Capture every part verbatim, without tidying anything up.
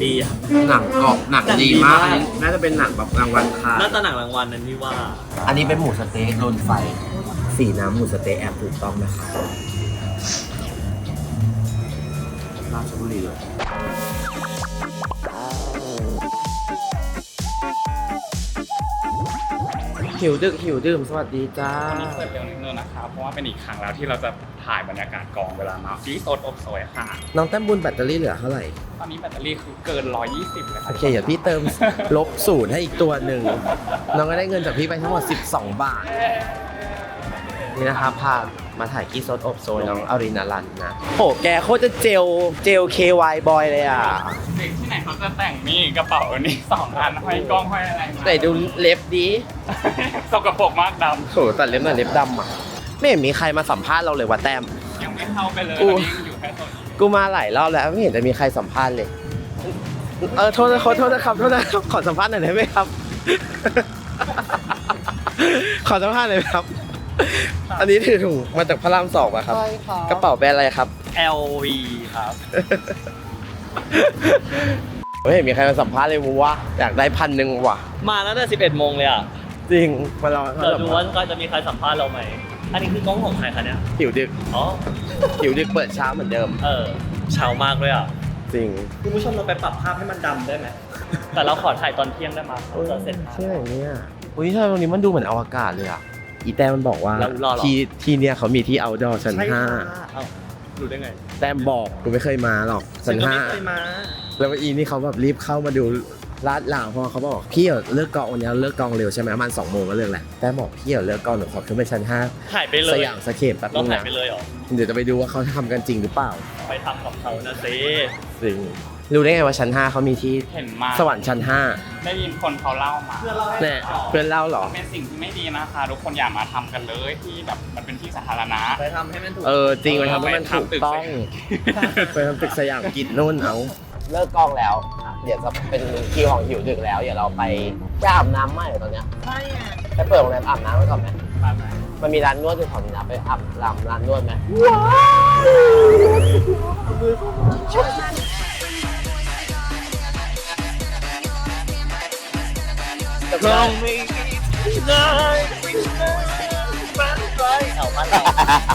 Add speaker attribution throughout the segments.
Speaker 1: ดีอ่ะ
Speaker 2: หนังกรอบหนังดีมากน่าจะเป็นหนังแบบรางวัลค่ะ
Speaker 1: น่าจะหนังรางวัลนั้นที่ว่า
Speaker 2: อันนี้เป็นหมูสเต๊กโดนไฟสีน้ำหมูสเต๊กแอบถูกต้องนะครับราชบุรีเลยหิวดึกหิวดื่มสวัสดีจ้า
Speaker 3: วันนี้เปิดเร็วนิดนึงนะครับเพราะว่าเป็นอีกครั้งแล้วที่เราจะถ่ายบรรยากาศกองเวลามาฟีสดอบโซยค่ะ
Speaker 2: น้องแต้มบุญแบตเตอรี่เหลือเท่าไหร่
Speaker 3: ตอนนี้แบตเตอรี่คือเกินหนึ่งร้อยยี่สิบเลยค
Speaker 2: โอ
Speaker 3: รับ
Speaker 2: เคเดี๋ยวพี่เติม ลบศูนย์ให้อีกตัวหนึ่งน้องก็ได้เงินจากพี่ไปทั้งหมดสิบสองบาท นี่นะครับพามาถ่ายกี้ซดอบโซยน้องอารินารันนะโหแกโคตรจะเจลเจล เค วาย บอยเลยอ่ะ
Speaker 3: เด็กที่ไหนเขาจะแต่งนี่กระเป๋านี่สองอันห้อยกล้องห้อยอะไรมา
Speaker 2: ไหนดูเล็บดี
Speaker 3: สกปรกมากด
Speaker 2: โหตัดเล็บหน่อยเล็บดำอ่ะ ไม่เห็นมีใครมาสัมภาษณ์เราเลยว่าแต้ม
Speaker 3: ำยังไม่เข้าไปเลย
Speaker 2: กู
Speaker 3: ตอนนี้ยังอยู่แค่โซนนี้
Speaker 2: กูมาหลายรอบแล้วไม่เห็นจะมีใครสัมภาษณ์เลย เออโทษนะขอโทษนะครับโทษนะครับขอสัมภาษณ์หน่อยได้ไหมครับ ขอสัมภาษณ์หน่อยครับ อันนี้ถือถุงมาจากพระรามสองป่ะครับ
Speaker 1: ใช่ค่ะ
Speaker 2: กระเป๋าแบรนด์อะไรครับ
Speaker 1: แอล วี ครับ
Speaker 2: ไม่เห็นมีใครมาสัมภาษณ์เลยวะอยากได้พันหนึ่งว่ะ
Speaker 1: มาตั้งแต่สิบเอ็ดโมงเลยอ่ะ
Speaker 2: จริงมาลอง
Speaker 1: เดี๋ยวดูว่าจะมีใครสัมภาษณ์เราไหมอันนี้คือกล้องของใครคะเนี่ย
Speaker 2: หิวดึก
Speaker 1: อ๋อ
Speaker 2: หิวดึกเปิดเช้าเหมือนเดิม
Speaker 1: เออเช้ามากเลยอ่ะ
Speaker 2: จริง
Speaker 1: คุณผู้ชมเราไปปรับภาพให้มันดำได้ไหม แต่เราขอถ่ายตอนเที่ยงได้ไหมเราจะเสร็จ
Speaker 2: ที่ไหนเนี่ยอุ้ยทำไมตรงนี้มันดูเหมือนอวกาศเลยอ่ะ อีแต้มมันบอกว่า
Speaker 1: เรารอเหรอ
Speaker 2: ที่ที่เนี่ยเขามีที่ outdoor ชั้น
Speaker 1: ใช่
Speaker 2: ห้า
Speaker 1: ค่ะเอ้ารู้ได้ไง
Speaker 2: แต้มบอกกูไม่เคยมาหรอกชั้นห้า
Speaker 1: ฉัก็ไม่เคยมา
Speaker 2: แล้วอีนี่เขาแบบรีบเข้ามาดูลาดลาวเพราะเขาบอกพี่เดี๋ยวเลิกกองวันนี้เลิกกองเร็วใช่ไหมประมาณสองโมงก็เลิกแหละแต่บอกพี่เดี๋ยวเลิกกองหนูขอขึ้นไปชั้นห้า
Speaker 1: ถ่ายไปเลย
Speaker 2: สยามสเคปแป๊บ
Speaker 1: เรา
Speaker 2: นึง
Speaker 1: ถ่าย
Speaker 2: นะ
Speaker 1: ไปเลยเหรอ
Speaker 2: เดี๋ยวจะไปดูว่าเขาทำกันจริงหรือเปล่า
Speaker 1: ไปทำกับเขานะสิ
Speaker 2: จริงรู้ได้ไงว่าชั้นห้าเขามีที่
Speaker 3: เห็นมา
Speaker 2: สวรรค์ชั้นห้า
Speaker 3: ได้ยินคนเขาเล่ามา
Speaker 2: เนี่ยเพื่อนเล่าเหรอ
Speaker 3: เป็นสิ่งที่ไม่ดีนะคะทุกคนอย่ามาทำกันเลยที่แบบมันเป็นที่สาธารณะ
Speaker 1: ไปทำให้มันถูก
Speaker 2: เออจริงไปทำให้มันถูกต้องไปทำตึกสยามกิจนู่นเอาเลิกกองแล้ว เดี๋ยวจะเป็นคิวของหิวดึกแล้วเดี๋ยวเราไปไปอาบน้ำไหมตอนเนี้ย
Speaker 1: ใช่ไง
Speaker 2: ไปเปิดโรงแรมอาบน้ำกันก่อนไหม
Speaker 1: ไปไป
Speaker 2: มันมีร้านนวดอยู่แถวนี้นะไปอาบร้านร้านนวดไหม
Speaker 1: เราไม่เลยมันไปเอามาต่อ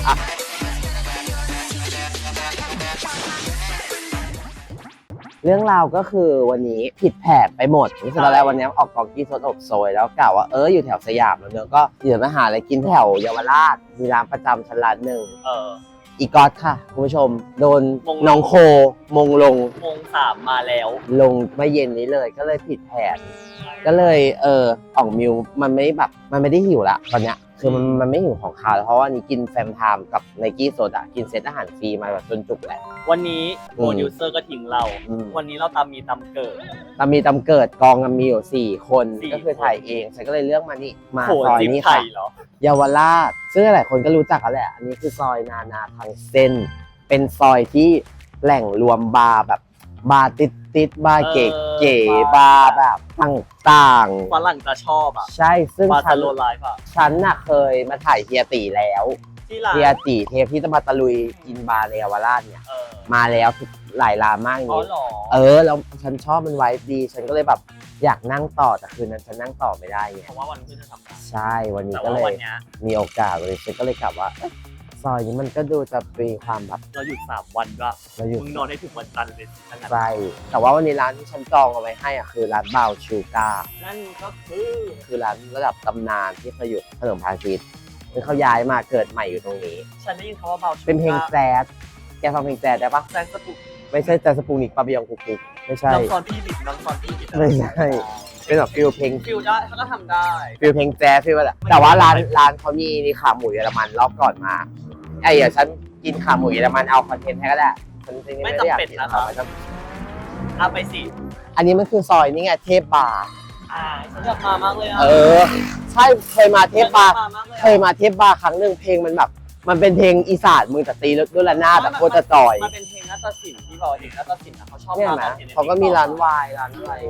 Speaker 2: เรื่องราวก็คือวันนี้ผิดแผนไปหมดนี่คือตอนแรกวันนี้ออกกองกี้สดอบโซยแล้วกล่าวว่าเอออยู่แถวสยามแล้วเนอะก็เดี๋ยวมาหาอะไรกินแถวเยาวราชมีร้านประจำชั้นร้านหนึ่ง
Speaker 1: เออ
Speaker 2: อีกอตค่ะคุณผู้ชมโดน
Speaker 1: มงลง
Speaker 2: น้องโคมงลง
Speaker 1: โมงสามมาแล้ว
Speaker 2: ลงเมื่อเย็นนี้เลยก็เลยผิดแผน ก็เลยเอออ่องมิวมันไม่แบบมันไม่ได้หิวละตอนเนี้ยคือมันมันไม่หิวของคาวแล้วเพราะว่านี่กินแฟมไทม์กับไนกี้โซดากินเซตอาหารฟรีมาแบบจนจุกแหละ
Speaker 1: วันนี้
Speaker 2: อื
Speaker 1: โป
Speaker 2: ม
Speaker 1: รดิวเซอร์ก็ทิ้งเรา
Speaker 2: อืม
Speaker 1: วันนี้เราตามมีตามเกิด
Speaker 2: ตามมีตำเกิดกองกันมีอยู่สี่คน
Speaker 1: สี่
Speaker 2: ก็คือถ่ายเองฉันก็เลยเลือกมานี่มา
Speaker 1: โห
Speaker 2: ซอย
Speaker 1: จิ๊บ
Speaker 2: นี้
Speaker 1: ไท
Speaker 2: ค่ะ
Speaker 1: ยเหรอ
Speaker 2: เยาวราชซึ่งหลายคนก็รู้จักกันแหละ อันนี้คือซอยนานาทางเส้น เป็นซอยที่แหล่งรวมบาร์แบบบาร์ติดติดๆบาร์เก๋
Speaker 1: เออ
Speaker 2: เก๋บาร์แบบต่าง
Speaker 1: ฝรั่งจะชอบอ่ะ
Speaker 2: ๆ ใช่ซึ่ง
Speaker 1: บา
Speaker 2: ฉั
Speaker 1: ตาน โลไลฟ์อ่ะ
Speaker 2: ฉันน่ะเคยมาถ่ายเฮียตีแล้ว
Speaker 1: ที่ร้าน
Speaker 2: เฮียตีเทปที่จะมาตะลุยกินบาร์ในเยาวราชเนี่ย
Speaker 1: เออ
Speaker 2: มาแล้วหลายร้านมาก
Speaker 1: อ๋อ
Speaker 2: นี้
Speaker 1: เหรอ
Speaker 2: เออแล้วฉันชอบมันไว้ดี ฉันก็เลยแบบอยากนั่งต่อแต่คืนนั้นฉันนั่งต่อไม่ได้ไง
Speaker 1: เพราะว่าวันพฤหัสจะทำงาน
Speaker 2: ใช่วันนี้
Speaker 1: แต่
Speaker 2: ก็
Speaker 1: ว่า
Speaker 2: เลย
Speaker 1: วันเนี้ย
Speaker 2: มีโอกาสเลยฉันก็เลยกลับว่าเอ๊ะซอยนี้มันก็ดูจะมีความแบบ
Speaker 1: เราหยุดสามวันด้วย
Speaker 2: เราอยู่
Speaker 1: มึงนอนให้ถึงวันจันทร์เลยสิขนาด
Speaker 2: ใกล้แต่ว่าวันนี้ร้านที่ฉันจองเอาไว้ให้อ่ะคือร้านบาวชูก้า
Speaker 1: นั่นก็คือ
Speaker 2: คือร้านระดับตำนานที่เคยอยู่ถนนพาคิดคือเขาย้ายมาเกิดใหม่อยู่ตรงนี้
Speaker 1: ฉันได้ยินคำว่าเบาชู
Speaker 2: เป็นเพลงแจ๊สแกฟังเพลงแจ๊สได้ปะ
Speaker 1: แซนสปุก
Speaker 2: ไม่ใช่แจ๊สสปูนิกปาบิยองกุกกุกไม่ใช่
Speaker 1: น้องซอนพี่บิดน้องซอนพี่บิด
Speaker 2: ไม่ใช่เป็นแบบฟิลเพลง
Speaker 1: ฟิลได้เขาก็ทำได้
Speaker 2: ฟิลเพลงแจ๊สฟิลแบบแต่ว่าร้านร้านเขามีนี่ขาหมูเยอรมันรอบก่อนมาไอ้เดี๋ยวฉันกินขาหมูเยอรมันเอาคอนเทนต์ให้ก็ได้ฉันจริงๆไม่ได้อยากกินนะคะ
Speaker 1: เอาไปสิ
Speaker 2: อันนี้มันคือซอยนี่ไงเทพบาร์
Speaker 1: อ่าฉันอยากมามากเลยอ่ะ
Speaker 2: เออใช่เคยมาเทพบาร์
Speaker 1: ฉันอยกมมากล
Speaker 2: เคยมาเทพบาร์ครั้งหนึ่งเพลงมันแบบ มันเป็นเพลงอีสานมือแต่ตีด้วยระนาดแต่โคตรจะจอย
Speaker 1: มันเป็นเพลงนัตศิลป์ที่บอกเด็กนัตศิลป์นะเขาชอบ
Speaker 2: เนี่ย
Speaker 1: มา
Speaker 2: นะเขาก็มีร้านวายร้านอะไร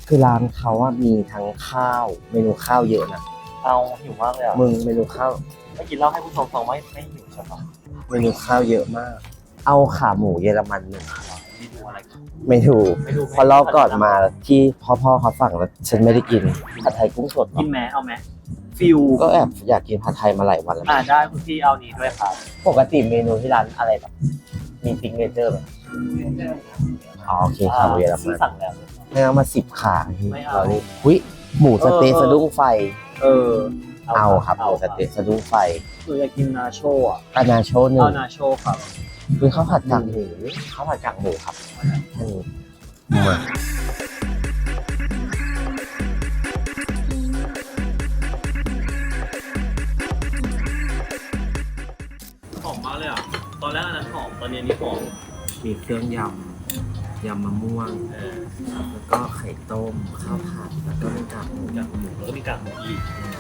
Speaker 2: คือร้านเขาอะมีทั้งข้าวเมนูข้าวเยอะนะ
Speaker 1: เอาหิวมากเลยอ่ะ
Speaker 2: มึงเมนูข้าว
Speaker 1: ไม่กินเหล้าให้ผู้ชมฟังไม่ไม่หิวใช่ปะ
Speaker 2: เมนูข้าวเยอะมาก เอาขาหมูเยอรมันหนึ่ง
Speaker 1: ไม่ดูอะไรกัน
Speaker 2: ไม่ถูก
Speaker 1: ไม่ดู
Speaker 2: พอรอบก่อนมาที่พ่อพ่อเขาสั่งแล้วฉันไม่ได้กินผัดไทยกุ้งสด
Speaker 1: กินแม้เอาไหมฟิว
Speaker 2: ก็แอบอยากกินผัดไทยมาหลายวันแล้ว
Speaker 1: อ่าได้คุณพี่เอานี้ด้วยครับ
Speaker 2: ปกติเมนูที่ร้านอะไรแบบมีซิกเนเจอร์ไหมอ๋อโอเคขาหมูเยอร
Speaker 1: ซื้
Speaker 2: มั
Speaker 1: อน สั่งแล้ว
Speaker 2: ไม่เอามาสิบขาพี่
Speaker 1: ไม่เอา
Speaker 2: เรานี่หุ้ยหมูสะเต๊ะ
Speaker 1: เออ
Speaker 2: สะดุ้งไฟ
Speaker 1: เออ
Speaker 2: เอาครับหมูสะเต๊ะสะดุ้งไฟ
Speaker 1: หนูอยากกินนาโชอ่ะ
Speaker 2: อานาโชหนึ่
Speaker 1: เอา
Speaker 2: ง
Speaker 1: นาโชครับ
Speaker 2: คือข้าวผัดกากหมูข้าวผัดกากหมูครับแค่นี้มา
Speaker 1: หอมมากเลยอ่ะตอนแรกอันนั้นหอมตอนนี้อันนี้หอม
Speaker 2: มีเครื่องยำยำมะม่วง
Speaker 1: เออ
Speaker 2: แล้วก็ไข่ต้มข้าวผัดแล้วก็เป็นกากหมู
Speaker 1: กากหมูแล้วก็มีกากหมูอีก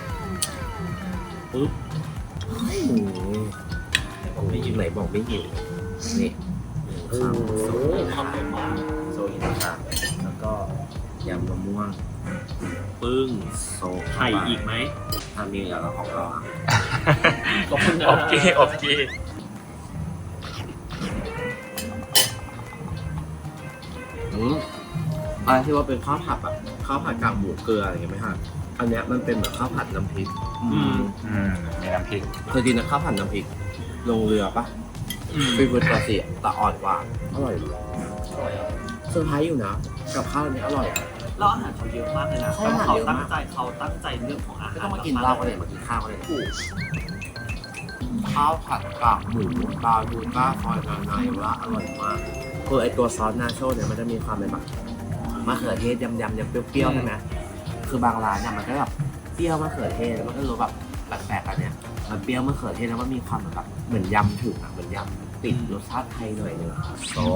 Speaker 1: ปุ๊บ
Speaker 2: อืมผมไม่หิวไหนบอกไม่หิวนี่
Speaker 1: โอ้โหทำได้มาก
Speaker 2: โซอินะครับแล้วก็ยำมะม่วง
Speaker 1: ปึ้ง
Speaker 2: โซ
Speaker 1: ไข่อีกไหม
Speaker 2: ทำมีอย่างเราของเรา
Speaker 1: ขอบคุณนะ
Speaker 3: โอเคโอเค
Speaker 2: อืมอะไรที่ว่าเป็นข้าวผัดแบบข้าวผัดกากหมูเกลืออะไรอย่างเงี้ยไหมฮะอันเนี้ยมันเป็นแบบข้าวผัดน้ำพริก
Speaker 1: อืม
Speaker 3: อืมมีน้ำพริก
Speaker 2: เคยกินนะข้าวผัดน้ำพริกลงเรือปะ
Speaker 1: อืม
Speaker 2: ฟิวตาเสียแต่อ่อนกว่าอร่อยดีเซอร์ไพรส์อยู่นะกับข้าวอันนี้อร่อยอะ
Speaker 1: แล้วอาหารเขาเยอะมากเลยนะ
Speaker 2: ใช่อาหาร
Speaker 1: เขา
Speaker 2: เยอะ
Speaker 1: ตั้ง
Speaker 2: มาก
Speaker 1: ใจเขาตั้งใจเรื่องของอาหาร
Speaker 2: ไม่ต้องมากินเหล้าก็เลยมากินข้าวก็เลย
Speaker 1: ถูก
Speaker 2: ข้าวผัดกากหมูปลาดูก้าซอยนาไนว่าอร่อยมากคือไอตัวซอสนาโชเนี่ยมันจะมีความเป็นแบบมะเขือเทศยำๆยำเปรี้ยวๆใช่ไหมคือบางร้านเนี่ยมันก็แบบเปรี้ยวมะเขือเทศแล้วมันก็รู้แบบแปลกๆอันเนี้ยมันเปรี้ยวมะเขือเทศแล้วมันมีความแบบเหมือนยำถึงอ่ะเหมือนยำติดรสชาติไทยหน่อยนึงโซ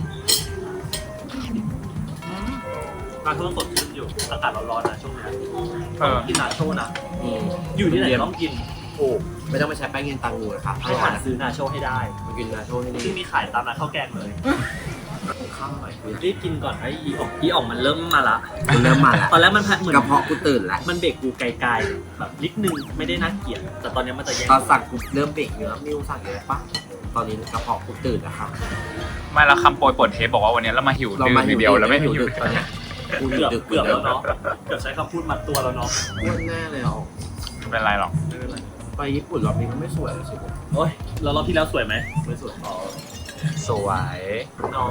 Speaker 1: การทุกคนสดชื่นอยู่อากาศร้อนๆนะช่วงนี้
Speaker 3: เออ
Speaker 1: กินนาโชนะ
Speaker 2: อืม
Speaker 1: อยู่ที่ไหนต้องกินถูก
Speaker 2: ไม่ต้องไปใช้แป้งเย็นตังงูนะครับ
Speaker 1: ให้หาซื้อนาโชให้ได้
Speaker 2: มากินนาโชที่นี่
Speaker 1: ที่มีขายตามร้านข้าวแกงเลย
Speaker 2: ข้าวอร่อย
Speaker 1: รีบกินก่อนไอ้อีออกอีออกมันเริ่มมาละ
Speaker 2: คุณเริ่มมาแล้ว
Speaker 1: ตอนแรกมันเหมือน
Speaker 2: กระเพาะกูตื่นแล้ว
Speaker 1: มันเบรกกูไกลๆแบบนิดนึงไม่ได้น่าเกลียดแต่ตอนนี้มันจะแย่ง
Speaker 2: ตอนสั่งกูเริ่มเบรกเนื้อมิวสั่งอยู่แล้วปะตอนนี้กระเพาะกูตื่นนะครับ
Speaker 3: ไม่แล้วคำโปรยเปิดเทปบอกว่าวันนี้เรามาหิว
Speaker 2: เรา
Speaker 3: ดื่
Speaker 2: มาม
Speaker 3: ทีเดียวแล้วไม่หิว
Speaker 2: ดึกตอนเนี้ยกูหิว
Speaker 1: เกือบ
Speaker 2: ดึก
Speaker 1: เกือบแล้วเนาะเกือบใช้คำพูดมัดตัวแล้วเนาะ
Speaker 2: อ้วนแน่เลยอ่ะ
Speaker 3: ไม่เป็นไรหรอก
Speaker 1: ไม่เป็นไร
Speaker 2: ไปญี่ปุ่นรอบนี้มันไม่สวยเลยสิผม
Speaker 1: โอ้ยแล้วรอบที่แล้วสวยไหมไม่สวยอ๋อ
Speaker 3: สวย
Speaker 1: น้อง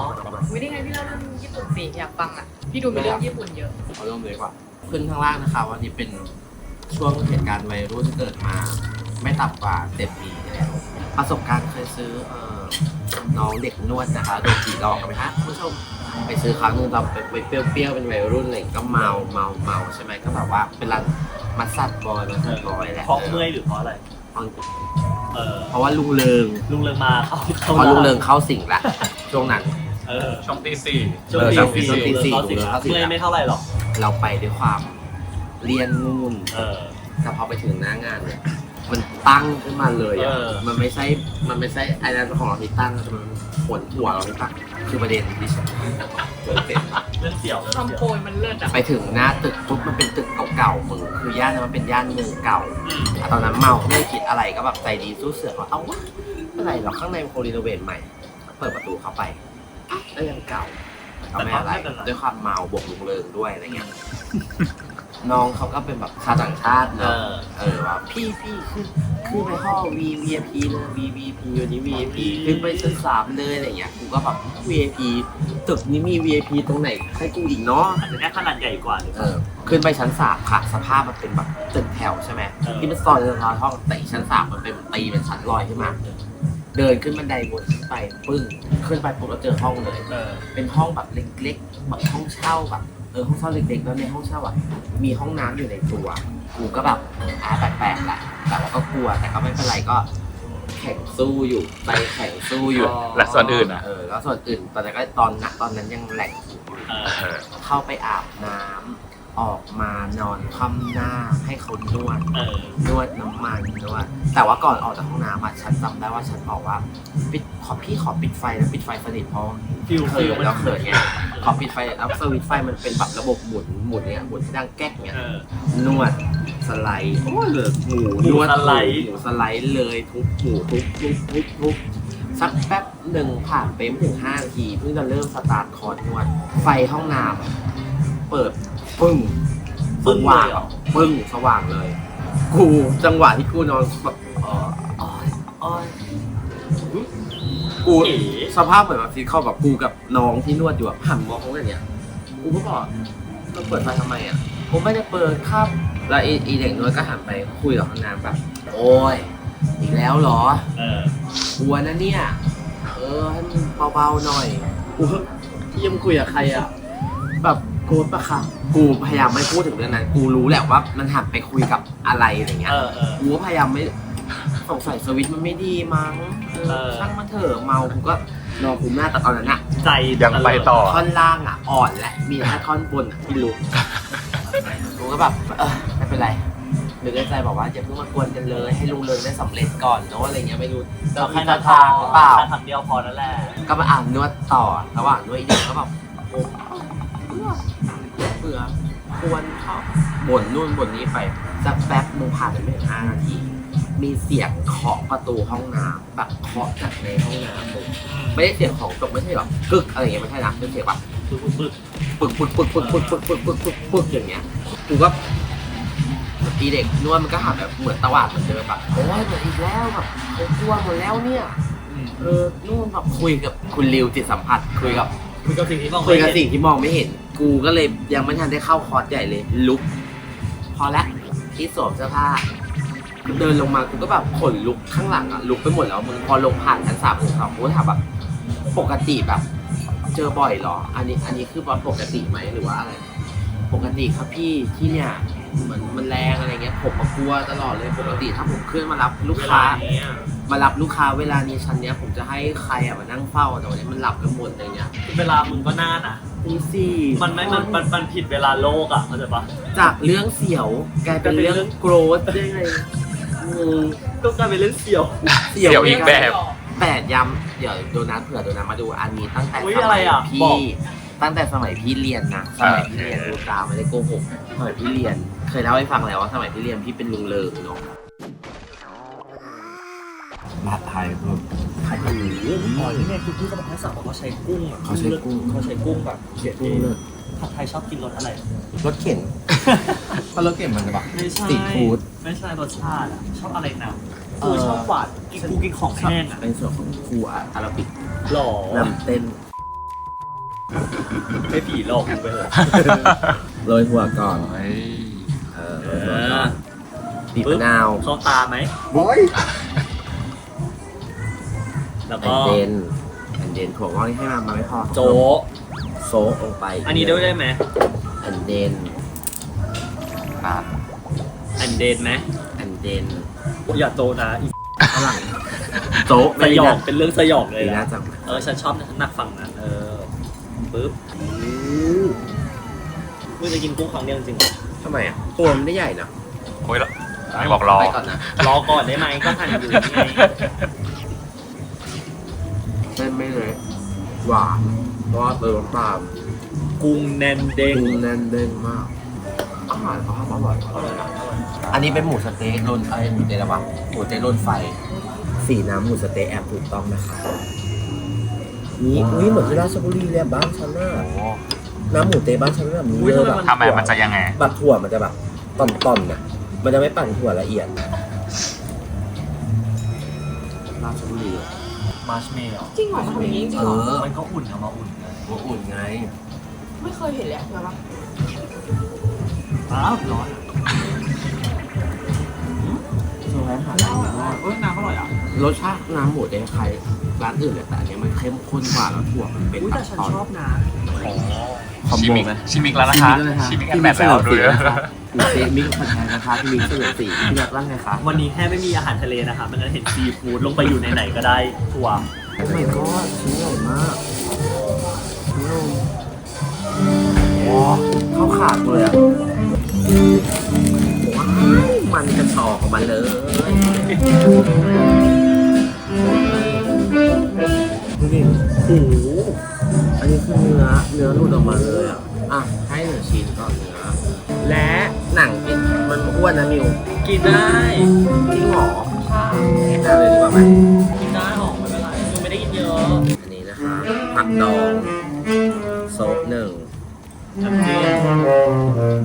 Speaker 4: ไม่ได้ไงพี่เล่าเรื่องญี่ปุ่นสิอยากฟังอ่ะ พี่ดูมีเรื่องญี่ปุ่นเยอะ
Speaker 2: เอาเริ่มเลยดีกว่าขึ้นข้างล่างนะคะวันนี้เป็นช่วงเหตุการณ์วัยรุ่นเกิดมา ไม่ต่ำกว่าเจ็ดปีแล้วประสบการณ์เคยซื้อเอ่อน้องเด็กนวดนะคะโดนผีหลอกกันไหมฮะคุณผู้ชมไปซื้อครั้งหนึงเราไปไปเปรี้ยวๆเป็นวัยรุ่นอะไรอย่างเงี้ยก็เมาเมาเมาใช่ไหมก็แบบว่าเป็นร้านมัสซัดบอยมัสซัดบอยแหละ
Speaker 1: เพราะเมื่อยหรือเพราะอะไร
Speaker 2: เอา
Speaker 1: เออ
Speaker 2: เพราะว่าลุงเริง
Speaker 1: ลุงเริงมาเขา
Speaker 2: เพราะลุงเริงเข้าสิงละช่วงนั้น
Speaker 1: เออ
Speaker 3: ช่องตีสี่
Speaker 1: ช่วง
Speaker 2: เออ
Speaker 1: ตี
Speaker 2: ช่วง
Speaker 1: สี่
Speaker 2: ตีสี่
Speaker 1: เขาสิ
Speaker 2: ลุงเริงเข้าสิง
Speaker 1: เมื่อยไม่เท่าไหร่หรอก
Speaker 2: เราไปด้วยความเรียนนู่น
Speaker 1: เออ
Speaker 2: แต่พอไปถึงหน้างานเนี่ยมันตั้งขึ้นมาเลยอ่ะ
Speaker 1: เออ
Speaker 2: มันไม่ใช่ มันไม่ใช่ไอ้นั่นของเราที่ตั้งแต่มันขนหัวเราที่ตั้งคือประเด็นที่ฉันเกิดเสร็จ
Speaker 1: เรื่องเสี่ยวเรื่อง
Speaker 4: คำ
Speaker 1: เสี่ยว
Speaker 4: โปรยมันเลิศอ่ะ
Speaker 2: ไปถึงหน้าตึกปุ๊บมันเป็นตึกเก่าๆมึงคือย่านนั้นมันเป็นย่านเมืองเก่า
Speaker 1: อืม
Speaker 2: อ่ะตอนนั้นเมาไม่ได้คิดอะไรก็แบบใจดีสู้เสือเขาเอาวะอะไรหรอกข้างในมันโครีโนเวทใหม่เปิดประตูเข้าไปอ่ะแล้วยังเก่าก็ไม่อะไรด้วยความเมาบวกลุงเริงด้วยอะไรเงี้ยน้องเขาก็เป็นแบบชาวต่างชาติ
Speaker 1: เอ
Speaker 2: เนาะ
Speaker 1: อ
Speaker 2: เออว่าพี่พี่ขึ้นขึ้นไปห้อง V วี ไอ พี เลย V วี ไอ พี วันนี้ V วี ไอ พี ขึ้นไปชั้นสามเลยอะไรเงี้ยกูก็แบบ V วี ไอ พี ตึกนี้มี V วี ไอ พี ตรงไหนให้กูอีกเนาะ
Speaker 1: อาจจะแค่ขนาดใหญ่กว่าหรือ
Speaker 2: เออขึ้นไปชั้นสามค่ะสภาพมันเป็นแบบตึกแถวใช่ไหม
Speaker 1: เออ
Speaker 2: ที่มันซอยเดินรอยห้องแต่อีกชั้นสามมันเป็นตีเป็นชั้นลอยขึ้นมาเดินขึ้นบันไดวนขึ้นไปปึ้งขึ้นไปปุ๊บเราเจอห้องเลย
Speaker 1: เออ
Speaker 2: เป็นห้องแบบเล็กๆแบบห้องเช่าแบบเออห้องเช่าเล็กๆแล้วในห้องเช่าอ่ะมีห้องน้ำอยู่ในตัวกูก็แบบอ่าแปลกๆแหละแต่ว่าก็กลัวแต่ก็ไม่เป็นไรก็แข่งสู้อยู่ไปแข่งสู้อยู่
Speaker 3: และส่วนอื่นอ่ะ
Speaker 2: เออแล้วส่วนอื่นตอนนั้นก็ตอนนั้นตอนนั้นยังแหลกอยู่
Speaker 1: เออ
Speaker 3: เออ
Speaker 2: เข้าไปอาบน้ำออกมานอนคว่ำหน้าให้เขานวด
Speaker 1: เออ
Speaker 2: นวดน้ำมันนวดแต่ว่าก่อนออกจากห้องน้ำอะฉันจำได้ว่าฉันบอกว่าปิดขอพี่ขอปิดไฟนะปิดไฟสนิทเพราะ
Speaker 1: ฟิล
Speaker 2: เขิ
Speaker 1: ฟิล
Speaker 2: นแล้วเขินไงขอปิดไฟแล้วสวิตช์ไฟมันเป็นแบบระบบหมุนหมุนเนี่ยหมุนที่ดังแก๊กเนี่ย
Speaker 1: เออน
Speaker 2: วดสไลด์โอ้ยเหลือหมูนวด
Speaker 1: สไลด์
Speaker 2: หมูสไลด์เลยทุบหมูทุบทุบทุบทุบสักแป๊บหนึ่งผ่านไปไม่ถึงห้านาทีเพิ่งจะเริ่มสตาร์ทคอร์สนวดไฟห้องน้ำเปิดปึ้งสว่างปึ้งสว่างเลย กูจังหวะที่กูนอนแบบเอออ้อยอ้อยกู
Speaker 1: เอ๋
Speaker 2: สภาพเหมือนแบบที่เข้าแบบกูกับน้องที่นวดอยู่แบบหันมองเขาอย่างเงี้ยกูก็บอกเราเปิดไฟทำไมอ่ะผมไม่ได้เปิดครับแล้วไอ้ไอ้เด็กนวดก็หันไปคุยกับห้องน้ำแบบโอ้ยอีกแล้วเหรอ
Speaker 1: เออก
Speaker 2: ลัวนะเนี่ยเออให้มันเบาๆหน่อยกูที่ยังคุยกับใครอ่ะแบบโกรธปะคะกูพยายามไม่พูดถึงเรื่องนั้นกูรู้แหละว่ามันหันไปคุยกับอะไรอะไรเงี้ย
Speaker 1: เออเออ
Speaker 2: กูก็พยายามไม่สงสัยสวิตช์มันไม่ดีมั้งเออ
Speaker 1: เออ
Speaker 2: ช่างมันเถอะเมากูก็นอนคุมหน้าแต่ตอนนั้นอะ
Speaker 1: ใจ
Speaker 3: ยังไปต่อ
Speaker 2: ท่อนล่างอะอ่อนและมีแค่ท่อนบนอะที่ลุกกูก็แบบเออไม่เป็นไรหรือในใจบอกว่าอย่าเพิ่งมากวนกันเลยให้ลุงเริงได้สำเร็จก่อนเนอะอะไรเงี้ยไม่รู้
Speaker 1: เราแค่
Speaker 2: จะ
Speaker 1: นั้น
Speaker 2: ทางหรือเปล่า
Speaker 1: แค่ทางเดียวพอนั่นแหละ
Speaker 2: ก็มาอ่านนวดต่อระหว่างนวดอีกเด็กก็แบบโอ้เบื่อควรเขาบ่นนู่นบ่นนี้ไปสักแป๊บมึงผ่านไปไม่ถึงห้านาที มีเสียงเคาะประตูห้องน้ำแบบเคาะจากในห้องน้ำเลยไม่ได้เสียงของตกไม่ใช่แบบกึกอะไรเงี้ยไม่ใช่นะเป็นเสียงแบบ
Speaker 1: ปึ๊กปึ๊ก
Speaker 2: ปึกปึกปึกปึกปึกปึกปึกปึกปึกปึกอย่างเงี้ยกูก็อีเด็กนวดมันก็หันแบบเหมือนตวาดเหมือนเดิมแบบโอ้ยเหมือนอีกแล้วแบบเขากลัวหมดแล้วเนี่ยเออนู่นแบบคุยกับคุณริวจิตสัมผัสคุยกับ
Speaker 1: คุยกับสิ่งที่มอง
Speaker 2: คุย
Speaker 1: ไม่
Speaker 2: กับ
Speaker 1: เห็น
Speaker 2: สิ่งที่มองไม่เห็น กูก็เลยยังไม่ทันได้เข้าคอร์สใหญ่เลยลุกพอละที่สวมเสื้อผ้าเดินลงมากูก็แบบขนลุกข้างหลังอะลุกไปหมดแล้วมึงพอลงผ่านชั้นสามของเขากูก็ถามแบบปกติแบบ เจอบ่อยเหรอ อันนี้อันนี้คือปกติไหมหรือว่าอะไรปกติครับพี่ที่เนี่ยเหมือนมันแรงอะไรเงี้ยผมมากลัวตลอดเลยปกติถ้าผมขึ้นมารับลูกค้า มารับลูกค้าเวลานี้ชั้นเนี้ยผมจะให้ใครอะมานั่งเฝ้าแต่วันนี้มันหลับกันหมดอะไรเงี้ย
Speaker 1: เวลามึงก็น่านะ
Speaker 2: ตีสี่
Speaker 1: มันไม่มันมันมันผิดเวลาโลกอ่ะเข้าใจปะ
Speaker 2: จากเรื่องเสียวกลายเป็นเรื่องโกรธได้ไงงง
Speaker 1: ก็กลายเป็นเรื่องเสี่ยว
Speaker 3: เสี่ยวอีกแบบ
Speaker 2: แปดย้ำเดี๋ยวโดนัทเผื่อโดนัทมาดูอันนี้ตั้งแต่
Speaker 1: อุ๊ย
Speaker 2: ส
Speaker 1: อะไร
Speaker 2: มัย
Speaker 1: อ่ะ
Speaker 2: พี่
Speaker 1: บอก
Speaker 2: ตั้งแต่สมัยพี่เรียนนะสมัยพี่เรียนดูตาไม่ได้โกหกสมัยพี่เรียน เคยเล่าให้ฟังแล้วว่าสมัยพี่เรียนพี่เป็นลุงเลิงเนาะมาไทยเพิ่ม
Speaker 1: ไข่หมูอ๋อนี่ไงคือพี่ก็บอกให้สั่งบอกเขาใช้กุ้งอ่ะ
Speaker 2: เขาใช้กุ้ง
Speaker 1: เขาใช้กุ้งแบบเขียน
Speaker 2: กุ้
Speaker 1: เอง ง
Speaker 2: เลิศ
Speaker 1: ผัดไทยชอบกินรสอะไร
Speaker 2: รถเข็น เพราะรถเข็นมันจะแบบ
Speaker 1: ไม่ใช่
Speaker 2: สตรีทฟู้ด
Speaker 1: ไม่ใช่รสชาติอ่ะชอบอะไรนะ
Speaker 2: เอ
Speaker 1: กู
Speaker 2: อ
Speaker 1: ชอบหวานกินกูกินของแห้งอ่ะ
Speaker 2: เป็นส่วนของครูอาราบิก
Speaker 1: หล่อน
Speaker 2: ำเต้น
Speaker 1: ไม่ผีหลอกกูไปเลย
Speaker 2: โรยหัวก่อน
Speaker 3: เฮ้ย
Speaker 2: เออโรยหัวก่อนบีบมะนาว
Speaker 1: เข้าตาไหม
Speaker 2: บอย
Speaker 1: แล้ว
Speaker 2: แอ
Speaker 1: ก็
Speaker 2: นเดนแอนเดนถั่วงอกนี่ให้มันมาไม่พอ
Speaker 1: โจ๊ะ
Speaker 2: โซะลงไป
Speaker 1: อันนี้ด้วยได้ไหม
Speaker 2: แอนเดน
Speaker 3: อ่ะ
Speaker 1: แอนเดนไหม
Speaker 2: แอนเดน
Speaker 1: อย่าโจนะอี
Speaker 2: ฝรั่งโจ๊ะ
Speaker 1: ส
Speaker 2: ไม่
Speaker 1: ย
Speaker 2: ได้
Speaker 1: อง
Speaker 2: นะ
Speaker 1: เป็นเรื่องสยองเลย
Speaker 2: ดี
Speaker 1: นะ
Speaker 2: นะจัง
Speaker 1: เออฉันชอบถนัดฝั่งนั้นเออปึ๊บมึงจะกินกุ้งครั้งเดียวจริงๆเหรอ
Speaker 2: ทำไมอ่ะตัวมันไม่ใหญ่นะ
Speaker 3: โอ้ยแล้วไม่บอกรอ
Speaker 2: ไปก่อนนะ
Speaker 1: รอก่อนได้ไหมก็หั่นอยู่นี่ไง
Speaker 2: เส้นไม่เลยหวานเพราะว่าเติมน้ำตาล
Speaker 1: กุ้งแน่นเด้ง
Speaker 2: กุ้งแน่นเด้งมากอาหารเขาทำอร่อยอร่อยนะอันนี้เป็นหมูสะเต๊ะรุ่นไอ้หมูเต๊ะอะไรวะหมูเต๊ะรุ่นไฟ สีน้ำหมูสะเต๊ะแอบถูกต้องนะคะนี่อุ้ยเหมือนที่ราชบุรีเลยอะบ้านฉันน่ะน้ำหมูเต๊ะบ้านฉันแบบนี้เลยแบบ
Speaker 3: ทำไมมันจะยังไง
Speaker 2: แบบถั่วมันจะแบบตอนๆน่ะมันจะไม่ปั่นถั่วละเอียดราชบุรี
Speaker 1: มาร์ชเมลล์
Speaker 4: จริงเหรอมันทำอย่างนี้จริง
Speaker 2: เอ
Speaker 4: เหรอ
Speaker 2: อ
Speaker 1: มันก็อุ่นเอามาอุ่นไง
Speaker 2: หัวอุ่นไง
Speaker 4: ไม่เคยเห็นเลยอะใช่ปะ
Speaker 1: อ้าวร้อน
Speaker 2: โซนร้านอาหารดีมาก
Speaker 1: เอ้ยน้ำอร่อยอ่ะ
Speaker 2: รสชาติน้ำหมูเต๊ะคล้ายร้านอื่นเลยแต่อันเนี้ยมันเข้มข้นกว่าแล้วถั่วมันเป็น
Speaker 1: อุ้ย
Speaker 2: แบ
Speaker 1: แต่
Speaker 2: บ
Speaker 1: ฉัน
Speaker 2: ตอน
Speaker 1: ชอบนะ
Speaker 2: คอม
Speaker 3: ชิ
Speaker 2: โบ
Speaker 3: มิก
Speaker 2: ไหม
Speaker 3: ชิมิกแล้วนะคะ ชิมิกแอนด์แมทแล้วดูเลย
Speaker 2: หมูเต๊ะมิกผัดไทยนะคะที่มิกเสนอสีพี่นักร่างไงคะ
Speaker 1: วันนี้แค่ไม่มีอาหารทะเลนะคะมันจะเห็นซีฟู้ดลงไปอยู่ในไหนก็ได้ทัวร์
Speaker 2: โอ้ยก็ชิ้นใหญ่มากนุ่มว้าวเข้าขาดเลยอ่ะว้าวมันกระชอกออกมาเลยดูดิโอ้โหอันนี้คือเนื้อเนื้อหลุดออกมาเลยอ่ะอ่ะให้หนึ่งชิ้นก่อนเนื้อและหนังกินมันอ้วนนะมิว
Speaker 1: กินได้
Speaker 2: จริงเหรอกินได้เลยดีกว่าไหม
Speaker 1: กินได้หอมไม่เป็นไรคือไม่ได้กินเยอะ
Speaker 2: อันนี้นะคะผักดองโซบหนึ่ง
Speaker 1: น้ำจิ้ม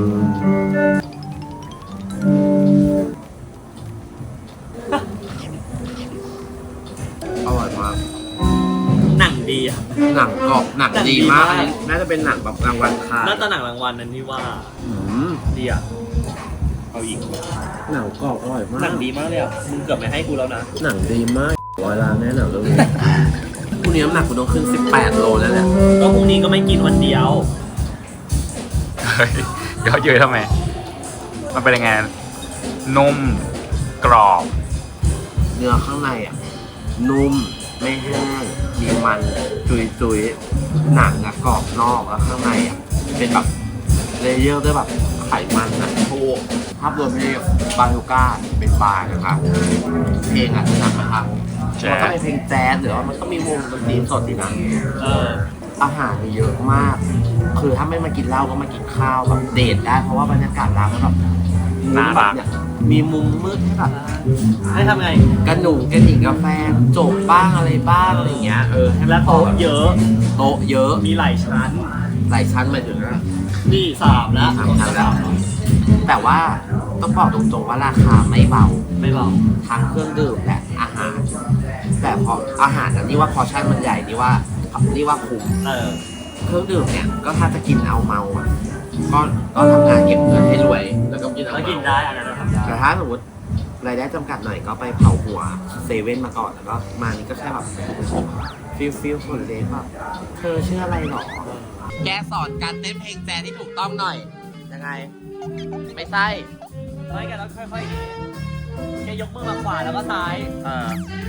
Speaker 2: อร่อยมาก
Speaker 1: หนังดีอ่ะ
Speaker 2: หนังกรอบหนัง
Speaker 1: หนังดี
Speaker 2: ดีมาก
Speaker 1: มาก
Speaker 2: อันนี้น่าจะเป็นหนังแบบรางวัลค่ะ
Speaker 1: น่าจะหนังรางวัลนั้นที่ว่า
Speaker 2: อืม
Speaker 1: ดีอ่ะเอาอีก
Speaker 2: หนังกรอบอร่อยมาก
Speaker 1: หนังดีมากเลยอ่ะมึงเกือบไม่ให้กูแล้วนะ
Speaker 2: หนังดีมากร้อยล้านแน่หนังเรื่องนี้พรุ่งนี้น้ำหนักกูต้องขึ้นสิบแปดโลแล้วแหละ
Speaker 1: ก็พรุ่งนี้ก็ไม่กินวันเดียว
Speaker 3: เฮ้ยเยอะเยอะทำไม มันเป็นยังไง นุ่ม กรอบ
Speaker 2: เนื้อข้างในอ่ะนุ่มไม่แห้งมีมันจุยจุยๆหนังอะกรอบนอกแล้วข้างในอ่ะเป็นแบบเลเยอร์ด้วยแบบไขมันนะโอ้ภาพรวมที่บาลูก้าเป็นบาร์นะคะเพลงอ่ะหนักนะคะ
Speaker 3: แจ๊ส
Speaker 2: มันก็เป็นเพลงแจ๊สหรือว่ามันก็มีวงดนตรีสดดีนะ
Speaker 1: เออ
Speaker 2: อาหารมีเยอะมาก คือถ้าไม่มากินเหล้าก็มากินข้าวแบบเดทได้เพราะว่าบรรยากาศร้านมันแบบ
Speaker 3: น่ารัก
Speaker 2: เนี่ยมีมุมมืดให้แบบ
Speaker 1: ให้ทำไง
Speaker 2: กระหนุ่งกระดิ่งกาแฟจบบ้างอะไรบ้างอะไรอย่างเงี้ยเออให้
Speaker 1: และโต๊ะเยอะ
Speaker 2: โต๊ะเยอะ
Speaker 1: มีหลายชั้น
Speaker 2: หลายชั้นมาถึงนะ
Speaker 1: นี่สามแล้ว
Speaker 2: สามชั้นแล้ว แต่ว่าต้องบอกตรงๆว่าราคาไม่เบา
Speaker 1: ไม่เบา
Speaker 2: ทั้งเครื่องดื่มและอาหาร แต่พออาหารนั้นนี่ว่าพอชั่นมันใหญ่นี่ว่านี่ว่าคุ้ม
Speaker 1: เออ
Speaker 2: เครื่องดื่มเนี่ยก็ถ้าจะกินเอาเมาอ่ะก็ก็ทำงานเก็บเงินให้รวย แล้วก็กินเอา
Speaker 1: แล้ว
Speaker 2: เมา
Speaker 1: กินได้อันนั้นเราทำได้
Speaker 2: แต่ถ้าสมมติรายได้จำกัดหน่อยก็ไปเผาหัวเซเว่นมาก่อนแล้วก็มานี่ก็แค่แบบฟิลฟิลคนเล็กแบบเธอชื่ออะไรหรอ แกสอนการเต้นเพลงแจ๊สที่ถูกต้องหน่อย ยังไง ไม่ใช่
Speaker 1: ไม่แกต้องค่อยๆนี้แกยกมือมาขวาแล้วก็ซ้าย
Speaker 2: เออ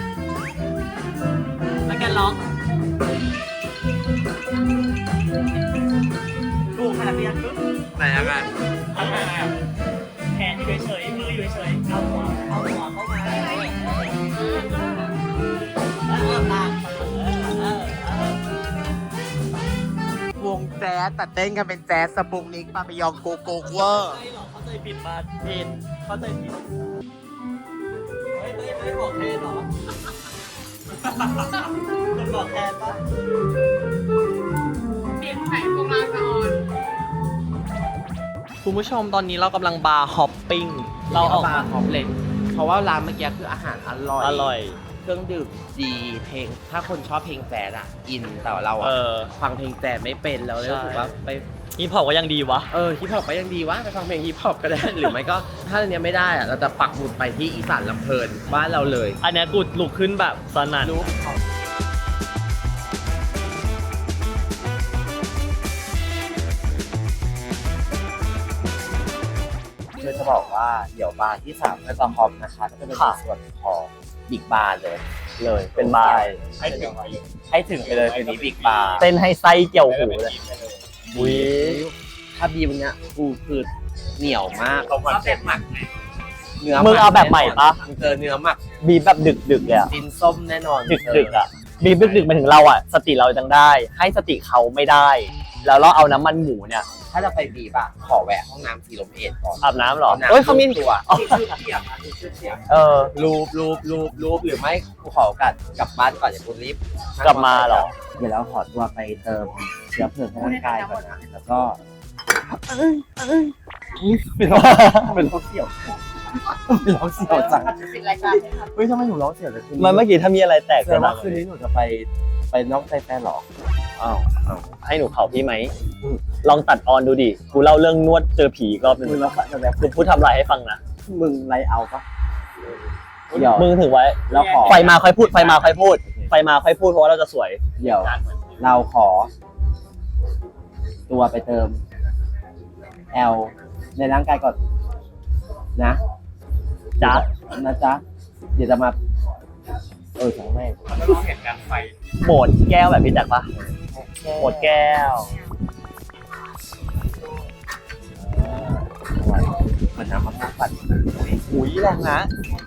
Speaker 1: แล้วแกล็อกถูกขนาดนี้ปุ๊บ
Speaker 2: ไหนยังไง
Speaker 1: ทำไงอ่ะแขนอยู่เฉยๆมืออยู่เฉยๆเอาหัวเอาหัวเข้ามาแล้วก็ตามเออเออเออ
Speaker 2: วงแจ๊สแต่เต้นกันเป็นแจ๊สสปุงนิกปาปิยองโกโกเวอร์
Speaker 1: ไม่หรอกเข้าใจผิดมาผิดเข้าใจผิดเฮ้ยไม่ไม่บอกแทนหรอคนบอกแทนปะ
Speaker 4: เปลี่ยนไข่พวกเราจะออน
Speaker 1: คุณผู้ชมตอนนี้เรากำลังบาร์ฮอปปิ้งเราออก
Speaker 2: บาร์คอมเพล็กซ์เพราะว่าร้านเมื่อกี้คืออาหารอร่อย
Speaker 1: อร่อย
Speaker 2: เครื่องดื่มดีเพลง ถ้าคนชอบเพลงแจ๊สอะอินแต่ว่าเรา
Speaker 1: เอ
Speaker 2: อะ
Speaker 1: อ
Speaker 2: ฟังเพลงแจ๊สไม่เป็นเราเลยรู้สึกว่าไป
Speaker 1: ฮิปฮอปก็ยังดีวะ
Speaker 2: เออฮิปฮอปก็ยังดีวะไปฟังเพลงฮิปฮอปก็ได้ หรือไม่ก็ถ้าอันเนี้ยไม่ได้อะเราจะปักหมุดไปที่อีสานลำเพลินบ้านเราเลย
Speaker 1: อันเนี้ยกูลุกขึ้นแบบสนั่น
Speaker 2: รู้คือจะบอกว่าเดี๋ยวบาร์ที่สามเพื่อจะฮอปนะคะก็จะเป็นในส่วนของบิ๊กบาร์เลย
Speaker 1: เลยเป็นบาร์
Speaker 2: ให้ถึงให้ถึงไปเลยคืนนี้บิ๊กบาร์
Speaker 1: เต้นให้ไส้เกี่ยวหูเลยอุ้ย
Speaker 2: ถ้าบีมเนี้ยกูคือเหนียวมากเขาเต็มหมักเนื้อ
Speaker 1: มึงเอาแบบใหม่ปะ
Speaker 2: มึงเจอเนื้อหมัก
Speaker 1: บีบแบบดึกดึกๆเลยอะ
Speaker 2: ดินส้มแน่นอน
Speaker 1: ดึกดึกๆอะบีบดึกดึกๆมาถึงเราอะสติเรายังได้ ให้สติเขาไม่ได้ แล้วเราเอาน้ำมันหมูเนี่ย
Speaker 2: ถ้าจะไปบีบอะขอแวะห้องน้ำสีลมเอ็ดก่อน
Speaker 1: อาบน้ำเหรอ
Speaker 2: น้ำ
Speaker 1: เอ้ยเขามี
Speaker 2: ตัว
Speaker 1: อ๋อ
Speaker 2: ชื่อเทียบอะชื่อเทียบ
Speaker 1: เออ
Speaker 2: รูปรูปรูปรูปหรือไม่กูขอโอกาสกลับบ้านก่อนอย่ากูรีบ
Speaker 1: กลับมาเหรอ
Speaker 2: เดี๋ยวเราขอตัวไปเติมเชื้อเพลิงให้ร่างกายก่อนนะแล้วก็เป็นร้องเป็นร้องเสี่ยวเป็นร้องเสี่ยวจัง
Speaker 4: ปิดรายการเลยครับ
Speaker 2: เฮ้ยทำไมหนูร้องเสี่ยวเลยคืน
Speaker 1: มันเมื่อกี้ถ้ามีอะไรแตก
Speaker 2: แสด
Speaker 1: จะ
Speaker 2: ง
Speaker 1: ดั
Speaker 2: ว่าง คืนนี้หนูจะไปไปนอกใจแฟนเหรอ
Speaker 1: อ้าวอ้าวให้หนูเผาพี่ไหม ลองตัดออนดูดิ กูเล่าเรื่องนวดเจอผีอีกรอบหนึง
Speaker 2: มึงแล้วจะแบบ
Speaker 1: กูพูดทำลายให้ฟังนะ
Speaker 2: มึงไรเอาปะเดี๋ยว
Speaker 1: มึงถึงไว้
Speaker 2: เราขอ
Speaker 1: ไฟมาค่อยพูด ไฟมาค่อยพูด ไฟมาค่อยพูดเพราะว่าเราจะสวย
Speaker 2: เดี๋ยวเราขอ ตัวไปเติม L ในร่างกายก่อนนะ
Speaker 1: จ๊ะ
Speaker 2: นะจ๊ะ เดี๋ยวจะมา เออทั้งแม่ง
Speaker 3: เห็นการไฟ
Speaker 1: โหมดแก้วแบบพี่แจ็คปะโหมดแก้ว
Speaker 2: เหมือนน้ำมะพร้าวปั่น
Speaker 1: หุยแรงนะ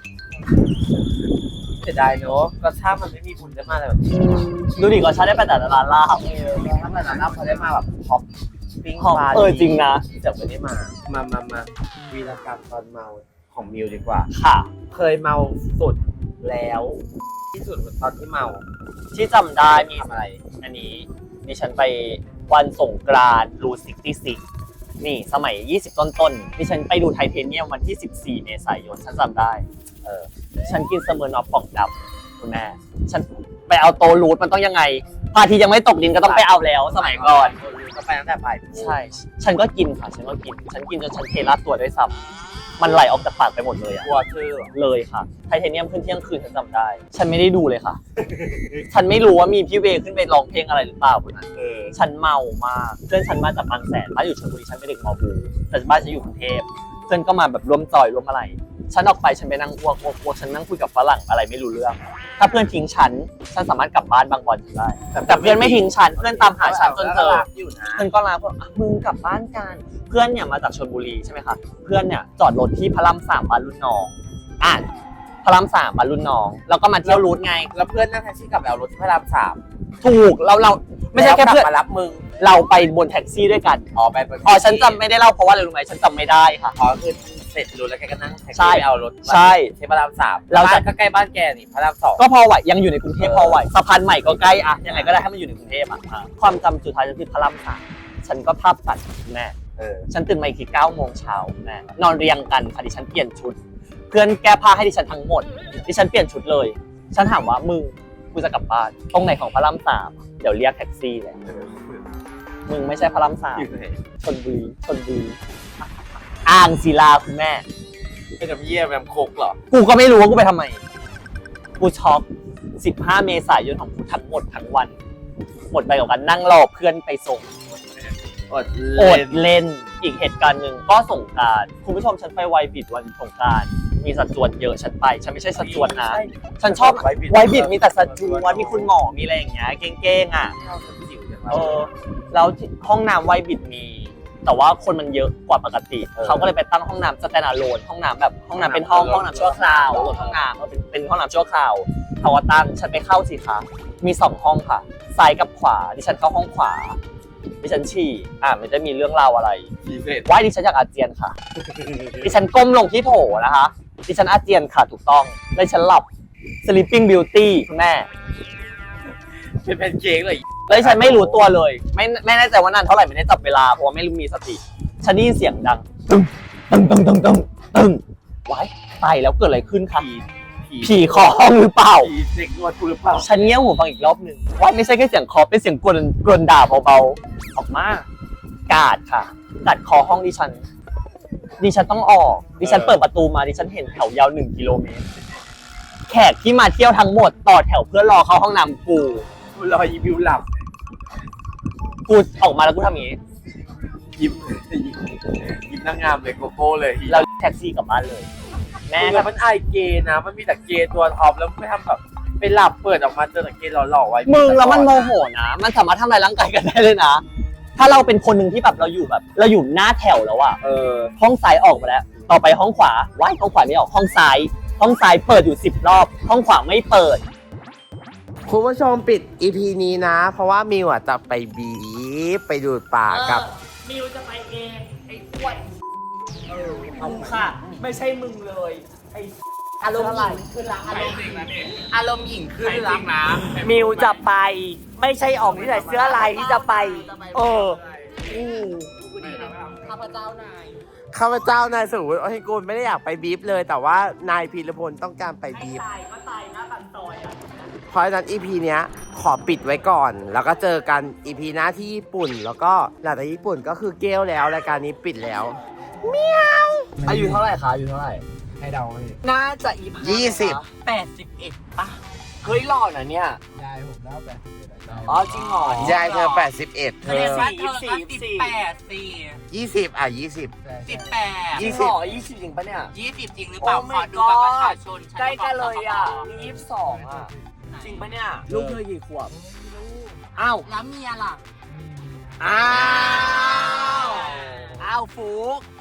Speaker 2: เสียดายเนอะก็ถ้ามันไม่มีบุญได้มาอะไรแบบนี้
Speaker 1: ดูดิก็ชาได้ไปแต่ละร้านลาบ
Speaker 2: เออถ้ามันนั้นเขาได้มาแบบท็อปปิ้ง
Speaker 1: หอม
Speaker 2: ปลา
Speaker 1: เออจริงนะ
Speaker 2: จะไม่ได้มา มามามาวีรกรรมตอนเมาของมิวดีกว่า
Speaker 1: ค่ะ
Speaker 2: เคยเมาสุดแล้ว ที่สุดตอนที่เมา
Speaker 1: ที่จำได้มี
Speaker 2: ทำอะไร
Speaker 1: อันนี้ดิฉันไปวันสงกรานต์รูซิกตี้ซิกนี่สมัยยี่สิบต้นๆดิฉันไปดูไทเทเนียมวันที่สิบสี่เมษายนฉันจำได้ เออฉันกินเสมอนอฟป่องดำคุณแม่ฉันไปเอาโตรูทมันต้องยังไงพระอาทิตย์ยังไม่ตกดินก็ต้องไปเอาแล้วสมัยก่อน
Speaker 2: ก็ไปตั้งแต่บ่าย
Speaker 1: ใช่ ฉันก็กินค่ะ ฉันก็กิน ฉันกินจนฉันเทราดตัวด้วยซ้ำมันไหลออกจากปากไปหมดเลยอะ
Speaker 2: กลัวชื่อ
Speaker 1: เลยค่ะ ไทเทเนียมขึ้นเที่ยงคืนฉันจำได้ ฉันไม่ได้ดูเลยค่ะ ฉันไม่รู้ว่ามีพี่เวย์ขึ้นไปร้องเพลงอะไรหรือเปล่าคนนั้น
Speaker 2: เออ
Speaker 1: ฉันเมามาก เพื่อนฉันมาจากบางแสนบ้านอยู่ชลบุรี ฉันเป็นเด็กมอบู แต่บ้านฉันอยู่กรุงเทพ เพื่อนก็มาแบบร่วมจอยร่วมอะไร ฉันออกไปฉันไปนั่งอ้วกอ้วกอ้วกฉันนั่งคุยกับฝรั่งอะไรไม่รู้เรื่อง ถ้าเพื่อนทิ้งฉัน ฉันสามารถกลับบ้านบางวันได้ แต่เพื่อนไม่ทิ้งฉัน เพื่อนตามหาฉันจนเจอ
Speaker 2: อยู่นะ
Speaker 1: เพื่อนก็ลาบอกอ่ะมึงกลับบ้านกัน เพื่อนเนี่ยมาจากชลบุรีใช่ไหมคะ เพื่อนเนี่ยจอดรถที่พระรามสามบ้านรุ่นน้อง อ่ะพระรามสามบ้านรุ่นน้อง แล้วก็มาเที่ยวรูทไง
Speaker 2: แล้วเพื่อนนั่งแท็กซี่กลับไปเอารถที่พระรามสาม
Speaker 1: ถูก เราเราไม่ใช่แค่เพื่อน
Speaker 2: ล้วกลับมารับมึง
Speaker 1: เราไปบนแท็กซี่ด้วยกัน
Speaker 2: อ๋อไปบน
Speaker 1: อ๋อฉันจำไม่ได้เล่าเพราะว่าอะไรรู้ไหมฉันจำไม่ได้ค่ะ
Speaker 2: อ๋อคือเสร็จรู้แล้วแกก็นั่งแท็ก
Speaker 1: ใช่
Speaker 2: ซี่ไปเอารถ
Speaker 1: ใช่
Speaker 2: ที่พระรามสาม
Speaker 1: เราจะ
Speaker 2: บ้านก็ใกล้บ้านแกนี่พระรามสอง
Speaker 1: ก็พอไหวยังอยู่ในกรุงเทพ
Speaker 2: เออ
Speaker 1: พอไหวสะพานใหม่ก็ใกล้อะยังไงก็ได้ให้มันอยู่ในกรุงเทพอะอ่ะความจำสุดท้ายก็คือพระรามสามฉันก็ภาพตัดแม่
Speaker 2: เออ
Speaker 1: ฉันตื่นมาอีกทีเก้าโมงเช้าแม่นอนเรียงกันค่ะดิฉันเปลี่ยนชุด เพื่อนแก้ผ้าให้ดิฉันทั้งหมดดิฉันเปลี่ยนชุดเลย ฉันถามว่ามึงกูจะกลับบ้านตรงไหนของพระรามสามเดี๋ยวเรียกแท็กซี่เลยมึงไม่ใช่พระรามสาม
Speaker 2: อยู่ไหน
Speaker 1: ชลบุรีชลบุรีอ่างศิลาคุณแม่
Speaker 2: ไปทำเยี่ยมแอมโคกเหรอ
Speaker 1: กูก็ไม่รู้ว่ากูไปทำไม กูช็อกสิบห้าเมษายนของกูทั้งหมดทั้งวัน หมดไปกับการนั่งรอเพื่อนไปส่ง
Speaker 2: อด
Speaker 1: โอ
Speaker 2: เล่
Speaker 1: ด
Speaker 2: น
Speaker 1: เล่น อีกเหตุการณ์หนึ่งก็สงกรานต์คุณผู้ชมฉันไปไวบิดวันสงกรานต์มีสัดจวนเยอะฉันไป ฉันไม่ใช่สัดจวนนะ ฉันชอบไวบิดมีแต่สัดจวนมีคุณหมอมีอะไรอย่างเงี้ยเก้งๆอ่ะ
Speaker 2: เข้าสันจิ๋วจัง
Speaker 1: เออแล้วที่ห้องน้ำไวบิดมี แต่ว่าคนมันเยอะกว่าปกติ เขาก็เลยไปตั้งห้องน้ำสแตนด์อะโลนห้องน้ำแบบห้องน้ำเป็นห้องห้องน้ำชั่วคราวรถห้องน้ำเออเป็นเป็นห้องน้ำชั่วคราวเขาก็ตั้งฉันไปเข้าสิคะมีสองห้องค่ะซ้ายกับขวาดิฉันเข้าห้องขวาดิฉันฉี่อ่าไม่ได้มีเรื่องราวอะไร
Speaker 2: พิเศษ
Speaker 1: ว่าดิฉันอยากอาเจียนค่ะ ดิฉันก้มลงที่โถนะคะดิฉันอาเจียนค่ะถูกต้องแล้วดิฉันหลับ sleeping beauty คุณแม่
Speaker 2: เป็นแพนเค้กเลย
Speaker 1: แล้วฉันไม่รู้ตัวเลย ไม่ไม่แน่ใจว่านานเท่าไหร่ไม่ได้จับเวลาเพราะว่าไม่รู้มีสติฉันได้ยินเสียงดังตึ้งตึ้งตึ้งตึ้งตึ้งตึ้งไว้ตายแล้วเกิดอะไรขึ้นคะ
Speaker 2: ผี
Speaker 1: ผีขอห้องหรือเปล่า
Speaker 2: ผีเด็กนวดกูหรือเปล่า
Speaker 1: ฉันเงี้ยวหูฟังอีกรอบหนึ่งว่าไม่ใช่แค่เสียงเคอเป็นเสียงกรนกรนด่าเบาๆออกมากาดค่ะกาดคอห้องดิฉันดิฉันต้องออกดิฉันเปิดประตูมาดิฉันเห็นแถวยาวหนึ่งกิโลเมตรแขกที่มาเที่ยวทั้งหมดต่อแถวเพื่อรอเข้าห้องน้ำกู
Speaker 2: กูรอยีวิวหลับ
Speaker 1: กูออกมาแล้วกูทำอย่างนี้
Speaker 2: ยิ้มยิ้มนางงามเลยโกโก้เลย
Speaker 1: แล้วแท็กซี่กลับบ้านเลย แม่
Speaker 2: แล้วมันไอเกย์นะ มันมีแต่เกย์ตัวท็อปแล้วไม่ทำแบบไปหลับเปิดออกมาเจอแต่เกย์หล่อๆไว้
Speaker 1: มึงแล้วมันโมโหนะมันสามารถทำลายร่างกายกันได้เลยนะถ้าเราเป็นคนหนึ่งที่แบบเราอยู่แบบ เราอยู่หน้าแถวแล้วอะ
Speaker 2: เออ
Speaker 1: ห้องซ้ายออกมาแล้ว ต่อไปห้องขวาว้ายห้องขวาไม่ออกห้องซ้าย ห้องซ้ายเปิดอยู่สิบรอบ ห้องขวาไม่เปิด
Speaker 2: คุณผู้ชมปิด อี พี นี้นะ เพราะว่ามิวอ่ะจะไปบีฟไปดูดป่ากับ
Speaker 1: มิวจะไปเองไอ้อ้วนเออเอาค่ะ ไม่ใช่มึงเลยไอ้อารมณ์หญิงขึ้นละอารมณ์หญิง
Speaker 2: อารมณ์หญิงขึ้นละ
Speaker 1: มิวจะไป ไม่ใช่ออกที่ใส่เสื้อลายที่จะไปเอออู้
Speaker 4: ข้าพเจ้านาย
Speaker 2: ข้าพเจ้านายสุวิทย์โอหิกุลไม่ได้อยากไปบีฟเลย แต่ว่านายพีรพลต้องการไปบีฟ
Speaker 1: ตายก็ตายนะบันซอยอ่ะ
Speaker 2: เพราะฉะนั้น อี พี เนี้ยขอปิดไว้ก่อน แล้วก็เจอกัน อี พี หน้าที่ญี่ปุ่น แล้วก็หลังจากญี่ปุ่นก็คือเกลแล้วรายการนี้ปิดแล้ว
Speaker 1: อายุเท่าไหร่คะอายุเท่าไหร่
Speaker 5: ให้เดาให้
Speaker 1: น่าจะอี
Speaker 2: ยี่สิบ
Speaker 1: แปดสิบเอ็ดป่ะเฮ้ยหล่อนะเนี่ย
Speaker 5: ยายผมแล้วแปดสิบเอ็ดอะ
Speaker 1: อ๋อจริงเหรอย
Speaker 2: ายเธอแปดสิบเอ็ดเธอ
Speaker 1: ยี่สิบสี่ยี่สิบสี่
Speaker 4: แปดสี่
Speaker 2: ยี่สิบอ่ะยี่สิบ
Speaker 4: สิบแปด
Speaker 1: ยี่สิบยี่สิบจริงปะเนี่ย
Speaker 4: ยี่สิบจริงหรือเปล่า
Speaker 1: Oh
Speaker 4: ข
Speaker 1: my
Speaker 4: อดูบัตรประชา
Speaker 1: God
Speaker 4: ชน
Speaker 1: ใกล้กันเลยอ่ะนี่ยี่สิบสองอ่ะ จริงปะเนี่ย ลูกเธอกี่ขวบ อ้าว
Speaker 4: แล้วเมียล่ะ
Speaker 1: อ้าว อ้าวฟุก
Speaker 4: อยากมี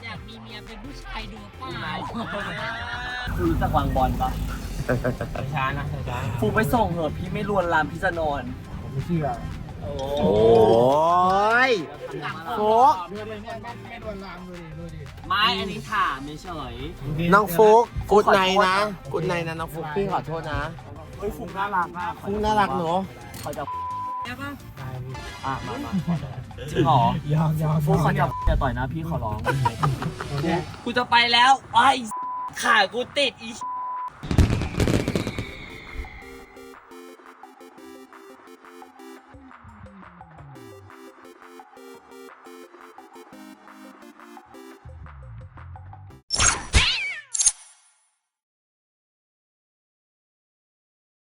Speaker 4: เมียเป็นผู้ชายดูเปล่า
Speaker 1: คุณรู้จักวางบอลปะช้านะช้าฟูไปส่งเหอะพี่ไม่ลวนลามพี่จะนอน
Speaker 5: ผมไม่เชื่อ
Speaker 2: โอ้ยโฟก
Speaker 5: เพื่อนเลยเนี่ยไม่โดนลามดูดิดูดิ
Speaker 1: ไม่อันนี้ถามเฉย
Speaker 2: น้องฟุกกูดไนนะกูดไนนะน้องฟุกพี่ขอโทษนะ
Speaker 1: เฮ้ยฟูน่ารักมาก
Speaker 2: ฟุกน่ารักหนู
Speaker 1: เขาจะ
Speaker 4: ใช่ปะ
Speaker 5: ได้พี่
Speaker 1: อ่ะมามาจริงเหรอย
Speaker 5: อมยอม
Speaker 1: ฟูเขาจะอย่าต่อยนะพี่ขอร้อง
Speaker 5: เนี่ย
Speaker 1: กูจะไปแล้วไอ้ขากูติดอี